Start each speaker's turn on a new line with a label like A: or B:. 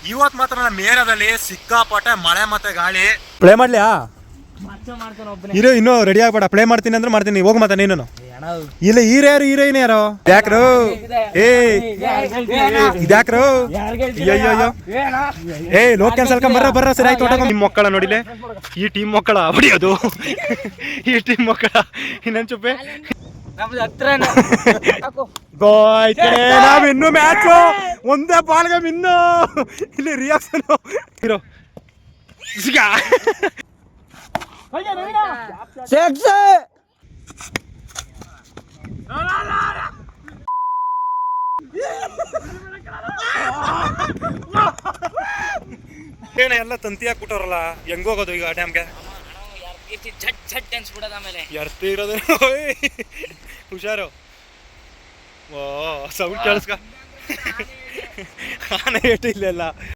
A: ಇವತ್ ಮಾತ್ರ ನಮ್ಮ ಏರಿಯಾದಲ್ಲಿ ಸಿಕ್ಕಾಪಟ್ಟೆ ಮಳೆ ಮತ್ತೆ ಗಾಳಿ.
B: ಪ್ಲೇ ಮಾಡ್ಲಿಯಾ? ಇರೋ ಇನ್ನೂ ರೆಡಿ ಆಗ್ಬೇಡ. ಪ್ಲೇ ಮಾಡ್ತೀನಿ ಅಂದ್ರೆ ಮಾಡ್ತೀನಿ. ಹೋಗ್ ಮತ್ತೆ ನೀನು. ಇಲ್ಲ ಹೀರೋಯಿನ್ ಯಾರು? ಯಾಕ್ರು ಇದ್ಯಾಕ್ರು? ಅಯ್ಯೋ ಲೋಕ್ ಕ್ಯಾನ್ಸಲ್ ಬರ್ರ ಸರಿ ಆಯ್ತು. ನಿಮ್ ಮಕ್ಕಳ ನೋಡಿಲೆ, ಈ ಟೀಮ್ ಮಕ್ಕಳ ಹೊಡಿಯೋದು. ಈ ಟೀಮ್ ಮಕ್ಕಳ ಇನ್ನೊಂದು ಚುಪ್ಪೆ ನಾವ್ ಇನ್ನು ಮ್ಯಾಚ್ ಒಂದೇ ಬಾಲ್ಗೆ ಇನ್ನು ಇಲ್ಲಿ ರಿಯಾಕ್ಷನ್ ಇರೋ ಏನ ಎಲ್ಲ ತಂತಿ ಹಾಕ್ಬಿಟ್ಟವ್ರಲ್ಲ, ಹೆಂಗ್ ಹೋಗೋದು ಈಗ ಡ್ಯಾಮ್ಗೆ? ಎರ್ತಿ ಇರೋದು ಹುಷಾರು. ಓ ಸೌಂಡ್ ಕೇಳಿಸ್ಕ. ಆನೆ ಏಟು ಇಲ್ಲೆಲ್ಲ.